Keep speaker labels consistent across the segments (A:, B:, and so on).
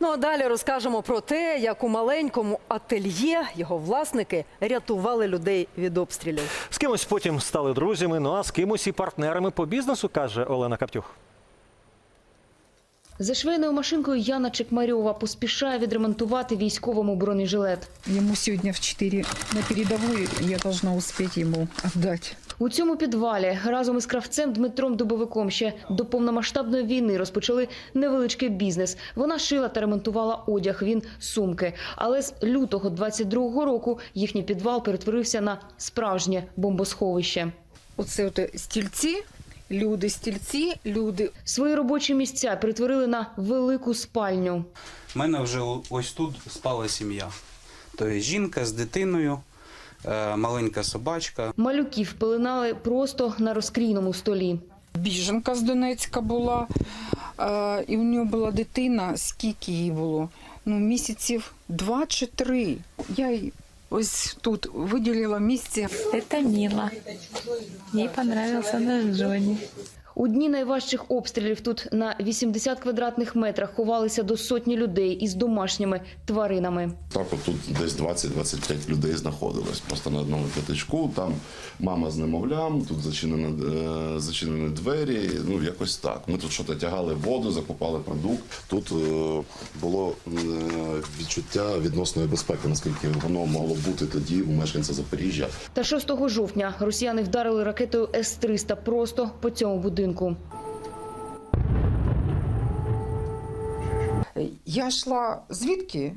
A: Ну а далі розкажемо про те, як у маленькому ательє його власники рятували людей від обстрілів.
B: З кимось потім стали друзями, ну а з кимось і партнерами по бізнесу, каже Олена Каптюх.
C: За швейною машинкою Яна Чекмарьова поспішає відремонтувати військовому бронежилет.
D: Ему сегодня в 4 на передовую, я должна успеть ему отдать.
C: У цьому підвалі разом із кравцем Дмитром Дубовиком ще до повномасштабної війни розпочали невеличкий бізнес. Вона шила та ремонтувала одяг, він – сумки. Але з лютого 22-го року їхній підвал перетворився на справжнє бомбосховище.
D: Оце стільці, стільці, люди.
C: Свої робочі місця перетворили на велику спальню.
E: У мене вже ось тут спала сім'я. Тобто жінка з дитиною, маленька собачка.
C: Малюків пеленали просто на розкрійному столі.
D: Біженка з Донецька була, і у нього була дитина, скільки їй було? Місяців 2 чи 3. Я їй ось тут виділила місце.
F: Это Мила. Ей понравился наш Джонни.
C: У дні найважчих обстрілів тут на 80 квадратних метрах ховалися до сотні людей із домашніми тваринами.
G: Так, от тут десь 20-25 людей знаходилось. Просто на одному п'ятачку, там мама з немовлям, тут зачинені двері, якось так. Ми тут щось тягали воду, закупали продукт. Тут було відчуття відносної безпеки, наскільки воно могло бути тоді у мешканця Запоріжжя.
C: Та 6 жовтня росіяни вдарили ракетою С-300 просто по цьому будинку.
D: Я йшла звідки?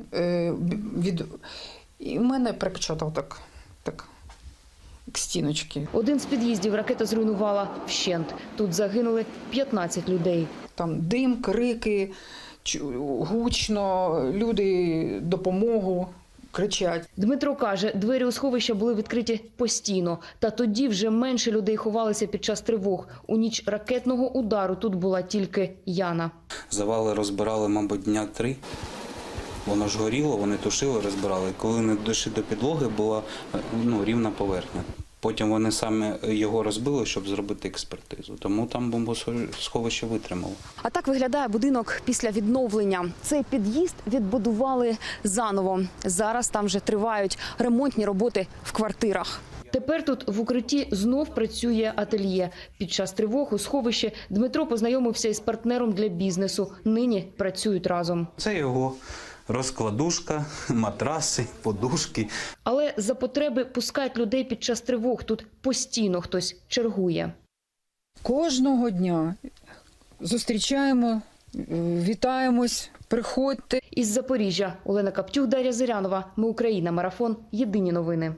D: І мене прикачало так к стіночці.
C: Один з під'їздів ракета зруйнувала вщент. Тут загинули 15 людей.
D: Там дим, крики, гучно, люди допомогу кричать.
C: Дмитро каже, двері у сховища були відкриті постійно. Та тоді вже менше людей ховалися під час тривог. У ніч ракетного удару тут була тільки Яна.
E: Завали розбирали, мабуть, дня 3. Воно ж горіло, вони тушили, розбирали. Коли не дійшли до підлоги, була рівна поверхня. Потім вони самі його розбили, щоб зробити експертизу. Тому там бомбосховище витримало.
C: А так виглядає будинок після відновлення. Цей під'їзд відбудували заново. Зараз там вже тривають ремонтні роботи в квартирах. Тепер тут в укритті знов працює ательє. Під час тривог у сховищі Дмитро познайомився із партнером для бізнесу. Нині працюють разом.
E: Це його розкладушка, матраси, подушки.
C: Але за потреби пускають людей під час тривог. Тут постійно хтось чергує.
D: Кожного дня зустрічаємо, вітаємось, приходьте.
C: Із Запоріжжя Олена Каптюх, Дар'я Зирянова. Ми Україна. Марафон. Єдині новини.